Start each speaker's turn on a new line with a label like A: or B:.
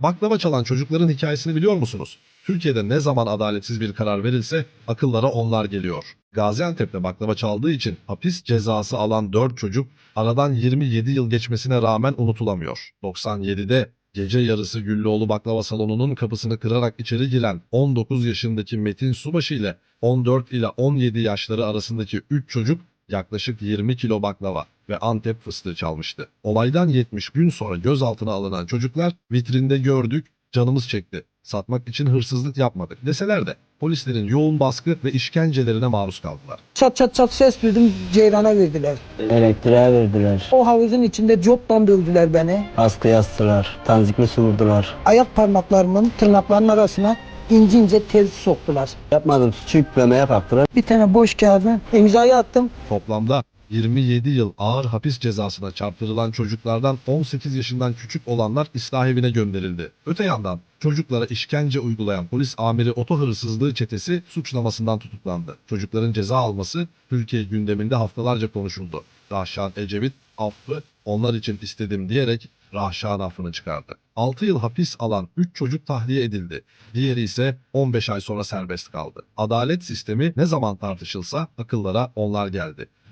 A: Baklava çalan çocukların hikayesini biliyor musunuz? Türkiye'de ne zaman adaletsiz bir karar verilse akıllara onlar geliyor. Gaziantep'te baklava çaldığı için hapis cezası alan 4 çocuk aradan 27 yıl geçmesine rağmen unutulamıyor. 97'de gece yarısı Güllüoğlu Baklava Salonu'nun kapısını kırarak içeri giren 19 yaşındaki Metin Subaşı ile 14 ile 17 yaşları arasındaki 3 çocuk yaklaşık 20 kilo baklava ve Antep fıstığı çalmıştı. Olaydan 70 gün sonra gözaltına alınan çocuklar vitrinde gördük, canımız çekti. Satmak için hırsızlık yapmadık deseler de polislerin yoğun baskı ve işkencelerine maruz kaldılar.
B: Çat çat çat ses duydum, ceyrana verdiler.
C: Elektriğe verdiler.
B: O havuzun içinde copla dövdüler beni.
C: Askıya astılar. Tanzikli su vurdular.
B: Ayak parmaklarımın tırnaklarının arasına ince ince tel soktular.
C: Yapmadım suçu yüklemeye kalktılar.
B: Bir tane boş kağıdı imzayı attım.
A: Toplamda 27 yıl ağır hapis cezasına çarptırılan çocuklardan 18 yaşından küçük olanlar ıslah evine gönderildi. Öte yandan çocuklara işkence uygulayan polis amiri oto hırsızlığı çetesi suçlamasından tutuklandı. Çocukların ceza alması Türkiye gündeminde haftalarca konuşuldu. Rahşan Ecevit affı onlar için istedim diyerek Rahşan affını çıkardı. 6 yıl hapis alan 3 çocuk tahliye edildi. Diğeri ise 15 ay sonra serbest kaldı. Adalet sistemi ne zaman tartışılsa akıllara onlar geldi.